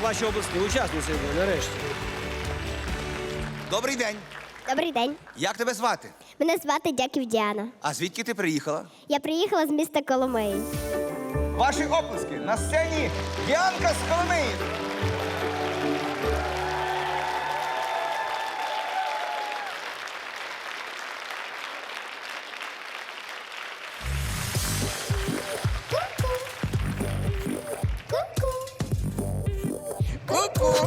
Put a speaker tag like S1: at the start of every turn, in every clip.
S1: ваші обласні учасниці нарешті.
S2: Добрий день.
S3: Добрий день.
S2: Як тебе звати?
S3: Мене звати Дяків Діана.
S2: А звідки ти приїхала?
S3: Я приїхала з міста Коломиї.
S2: Ваші оплески. На сцені Діанка з Коломиї. Ку-ку.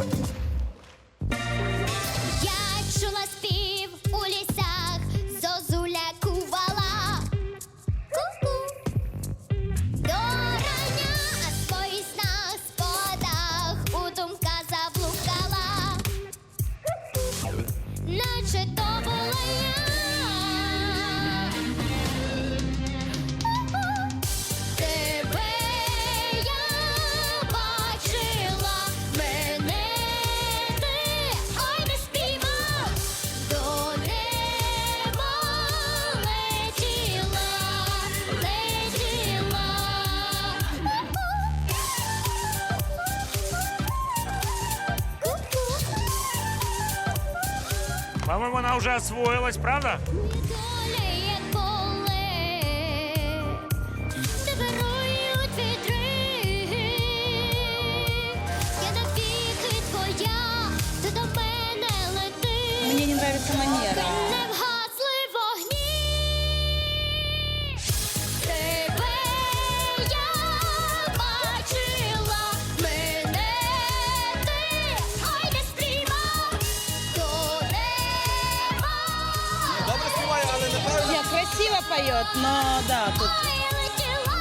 S3: Я чула спів у лісах, зозуля кувала. Ку-ку. До рання, а в своїх снах, спогадах у думках заблукала. Наче то була я. Тебе я бачила, мене ти, ой, не спіймав, до неба летіла, летіла.
S4: По-моему, она уже освоилась, правда?
S3: Доля як поле, де вирують вітри. Я навіки твоя, ти до мене лети.
S5: Мне не нравится манера.
S3: Не вгасли вогні. Тебе я бачила, мене ти, ой, не спіймав, до неба.
S2: Добре співає, але неправильно.
S5: Нет, красиво поет, но да, тут...
S3: Ой, летіла.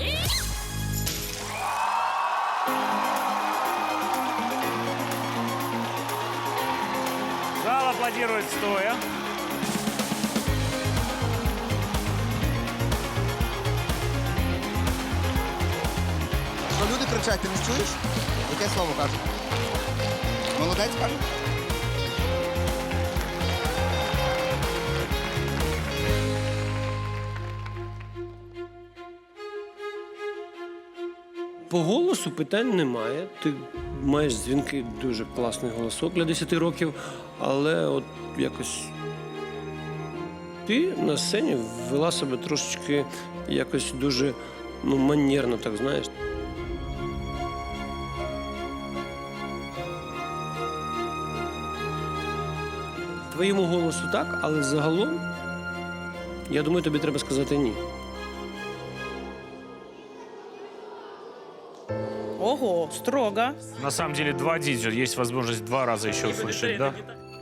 S4: Зал аплодирует стоя.
S2: Що люди кричать, ти не чуєш? Яке слово кажуть? Молодець каже?
S1: По голосу питань немає. Ти маєш дзвінкий, дуже класний голосок для 10 років, але от якось ти на сцені вела себе трошечки якось дуже манерно, так знаєш. Твоєму голосу так, але загалом, я думаю, тобі треба сказати ні.
S5: Ого, строго.
S4: На самом деле, два дидзю. Есть возможность два раза еще услышать, да?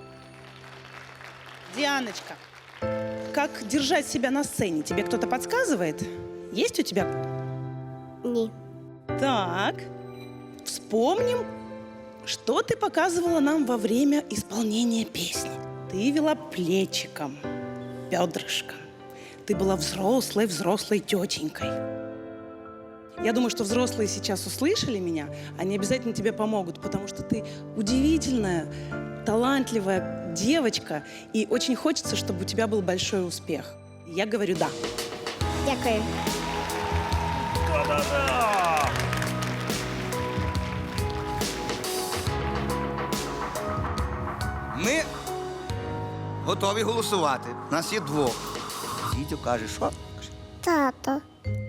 S5: Дианочка, как держать себя на сцене? Тебе кто-то подсказывает? Есть у тебя?
S3: Ні.
S5: Так, вспомним, что ты показывала нам во время исполнения песни. Ты вела плечиком, бедрышком. Ты была взрослой тетенькой. Я думаю, что взрослые сейчас услышали меня, они обязательно тебе помогут, потому что ты удивительная, талантливая девочка, и очень хочется, чтобы у тебя был большой успех. Я говорю «да».
S3: Дякую.
S4: Да-да-да!
S2: Ми готові голосувати. Нас є двох. Дідьо каже, що?
S3: Тато.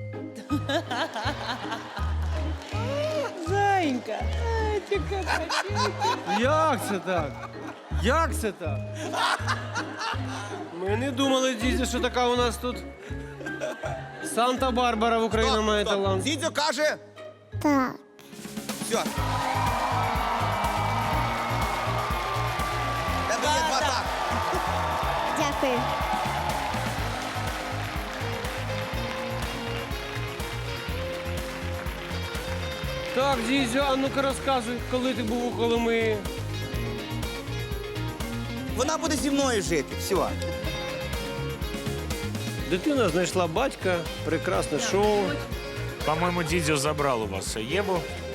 S5: Зайенька.
S1: Як це так? Як це так? Ми не думали, дідя, що така у нас тут Санта-Барбара в Україні має талант.
S2: Дідьо каже,
S3: Так.
S2: все. Тебе є два так.
S3: Дякую.
S1: Так, дідзю, а ну-ка розказуй, коли ти був у Коломиї.
S2: Вона буде зі мною жити. Все.
S1: Дитина знайшла батька, прекрасне шоу.
S4: По-моему, дидзю забрал у вас Ебу.